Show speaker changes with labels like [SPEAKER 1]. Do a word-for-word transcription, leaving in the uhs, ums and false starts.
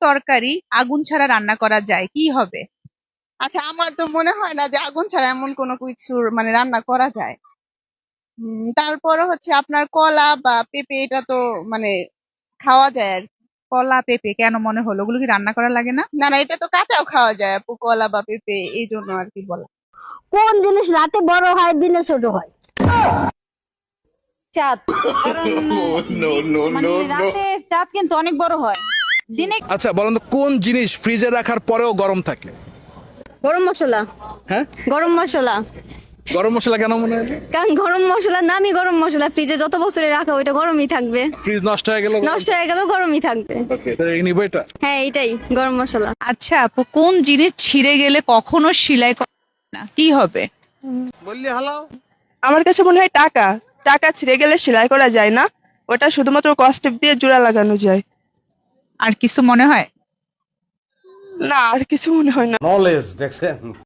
[SPEAKER 1] তরকারি আগুন ছাড়া রান্না করা যায়, কি হবে?
[SPEAKER 2] আচ্ছা, আমার তো মনে হয় না যে আগুন ছাড়া এমন কোনো কিছু মানে রান্না করা যায়। উম, তারপরে হচ্ছে আপনার কলা বা পেঁপে, এটা তো মানে খাওয়া যায় আর কি।
[SPEAKER 1] কলা পেঁপে কেন মনে হলো ওগুলো কি রান্না করা লাগে না?
[SPEAKER 2] না না, এটা তো কাঁচাও খাওয়া যায় আপু, কলা বা পেঁপে, এই জন্য আর কি বলা।
[SPEAKER 3] কোন জিনিস রাতে বড় হয় দিনে ছোট হয়?
[SPEAKER 4] চাঁদ। কারণ দিন- মানে রাতে চাঁদ কিন্তু অনেক বড় হয়, দিনে।
[SPEAKER 5] আচ্ছা বলেন তো, কোন জিনিস ফ্রিজে রাখার পরেও গরম থাকে?
[SPEAKER 3] গরম মশলা।
[SPEAKER 5] হ্যাঁ,
[SPEAKER 3] গরম মশলা।
[SPEAKER 5] গরম মশলা কেন মনে হয়?
[SPEAKER 3] কারণ গরম মশলার নামই গরম মশলা, ফ্রিজে যত বছরে রাখা ওইটা গরমই থাকবে,
[SPEAKER 5] ফ্রিজ নষ্ট হয়ে গেল,
[SPEAKER 3] নষ্ট হয়ে গেলেও গরমই থাকবে।
[SPEAKER 5] ওকে, তাহলে নিব এটা।
[SPEAKER 3] হ্যাঁ, এটাই গরম মশলা।
[SPEAKER 1] আচ্ছা আপু, কোন জিনিস ছিঁড়ে গেলে কখনো সেলাই করা যায় না, কি হবে?
[SPEAKER 5] বললি হালাও।
[SPEAKER 6] আমার কাছে মনে হয় টাকা। টাকা ছিঁড়ে গেলে সেলাই করা যায় না, ওটা শুধুমাত্র কস্টেপ দিয়ে জোড়া লাগানো যায়।
[SPEAKER 1] আর কিছু মনে হয়?
[SPEAKER 6] না, আর কিছু মনে হয় না।
[SPEAKER 7] নলেজ দেখছেন।